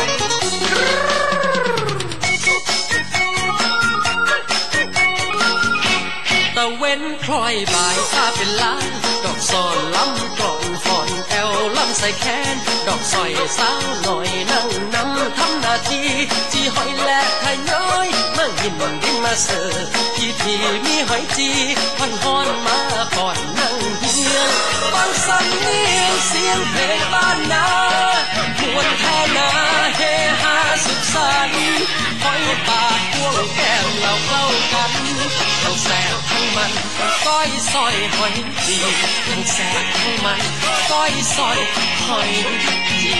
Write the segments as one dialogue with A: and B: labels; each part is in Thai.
A: ตะเว้นพลอยบ่ายผ้าเป็นล้านดอกซอนล้ำกล่อนฟอนแอวล้ำใส่แขนดอกสอยสาวหน่อยนั่งนำทำหน้าที่จีหอยและไข่น้อยมาหินดินมาเสิร์ฟพี่มีหอยจีพันฮอนมาก่อนนั่งเฮียงฟังสำเนียงเสียงเพลงบ้านนามวนแท่นาเฮฮาสุขสันต์หอยปากพวงแก้มเราเข้ากันทั้งแซ่บทั้งมันก้อยซอยหอยจีทั้งแซ่บทั้งมันก้อยซอยหอยจี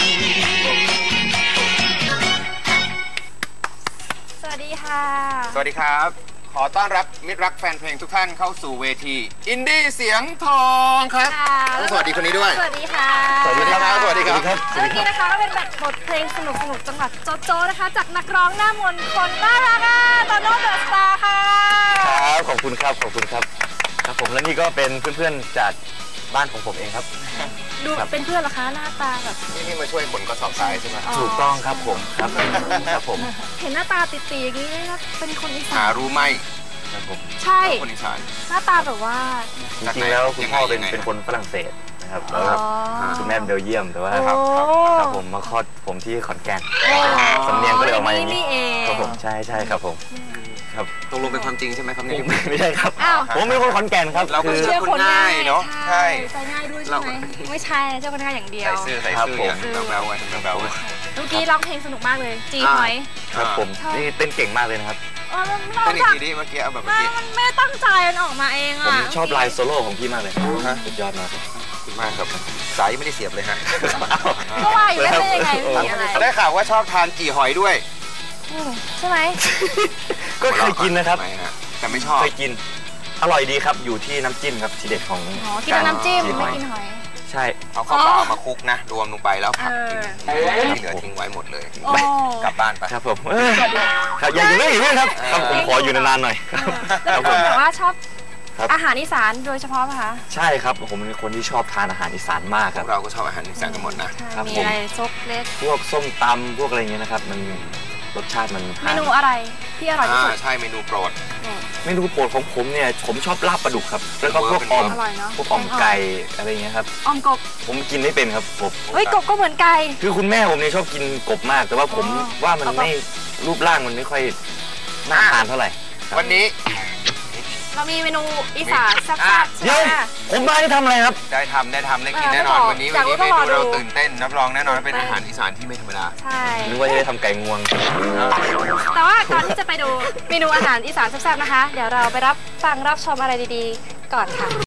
B: สวัสดีค่ะ
C: สวัสดีครับขอต้อนรับมิตรรักแฟนเพลงทุกท่านเข้าสู่เวทีอินดี้เสียงทองครับสวัสดีคนนี้ด้วย
B: สวัสดีค่ะ
C: สวัสดีครับสวัสดีครับ
B: เมื่อกี้นะคะก็เป็นแบบบทเพลงสนุกจังหวัดโจโจนะคะจากนักร้องหน้ามนต์คนน่ารักโตโน่เดอะสตาร์ค่ะ
D: ครับขอบคุณครับครับผมและนี่ก็เป็นเพื่อนๆจากบ้านของผมเองครับ
B: ดูเป็นเพื่อนเหรอคะหน้าตาแบบ
C: นี่มาช่วยขนกระสอบทรายใช่ไหม
D: ถูกต้องครับผมครับผม
B: เห็นหน้าตาติดๆอย่างนี้เป็นคนอีสาน
C: รู้ไหม
D: ครับผม
B: ใช่
C: คนอีสาน
B: หน้าตาแบบว่า
D: จริงๆแล้วคุณพ่อเป็นคนฝรั่งเศสนะครับแล้วคุณแม่เบลเยียมแต่ว่าครับผมมาคลอดผมที่ขอนแก่นสำเนียงก็เลยออกมาอย่างนี้ครับผมใช่ครับผมครับ
C: ตกลงเป็นความจริงใช่ไหมครับ
D: ไม่ใช่ครับผมเป็นคนขอนแก่นครับ
C: เราคือเชื่อคนง่ายเนาะ
B: ใช่ใจง่ายด้วยใช่ไหมไม่ใช่เจ้าคนง่ายอย่างเดียว
C: ใส่เสื้ออย่างแบลไว้แบลไว้
B: เมื่อกี้ร้องเพลงสนุกมากเลยจีหอย
D: ครับผมนี่เต้นเก่งมากเลยนะครับ
C: เต้นอีกทีดิเมื่อกี้เอาแบบเมื่อกี้
B: มันไม่ตั้งใจมันออกมาเอง
D: ผมชอบลายโซโล่ของพี่มากเลยสุดยอดมาก
C: มากครับสายไม่ได้เสียบเลยฮะ
B: ก็ว่าอยู่แล้วเป็นยังไง
C: ได้ข่าวว่าชอบทานจีหอยด้วย
B: ใช่ไหม
D: ก็เคยกินนะครับ
C: แต่ไม่ชอบ
D: เคยกินอร่อยดีครับอยู่ที่น้ำจิ้มครับทีเด็ดของ
B: กินน้ำจิ้มไม่กินหอย
D: ใช่
C: เอาข้าวเปล่ามาคลุกนะรวมลงไปแล้วผัดกินเหลือทิ้งไว้หมดเลยกลับบ้านไป
D: ครับผมครับอย่าอยู่นี่ครับผมขออยู่นานๆหน่อย
B: แล้วผมแต่ว่าชอบอาหารอีสานโดยเฉพาะป่ะคะ
D: ใช่ครับผมเป็นคนที่ชอบทานอาหารอีสานมากครับ
C: เราก็ชอบอาหารอีสานกันหมดนะครับ
B: มีอะไรซกเล็ก
D: พวกส้มตำพวกอะไรเงี้ยนะครับมันรสชาติมัน
B: เมนูอะไรที่อร่อยที่สุด
C: ใช่เมนูโปรด
D: เมนูโปรดของผมเนี่ยผมชอบลาบปลาดุกครับแล้วก็พวกออมไก่อะไรเงี้ยครับ
B: ออมกบ
D: ผมกินไม่เป็นครับกบ
B: เฮ้ยกบก็เหมือนไก่
D: คือคุณแม่ผมเนี่ยชอบกินกบมากแต่ว่าผมว่ามันไม่รูปร่างมันไม่ค่อยน่าทานเท่าไหร่
C: วันนี้
B: เรามีเมนูอีสานแซ่บๆใช่ไหม
D: ผมมาได้ทำอะไรครับ
C: ได้ทกินแน่นอนวันนี้เมนูเราตื่นเต้นรับรองแน่นอนเป็นอาหารอีสานที่ไม่ธรรมดา
B: ใช่
D: นึกว่าจะได้ทำไก่งวง
B: แต่ว่าก่อนที่จะไปดูเมนูอาหารอีสานแซ่บๆนะคะเดี๋ยวเราไปรับฟังรับชมอะไรดีๆก่อนค่ะ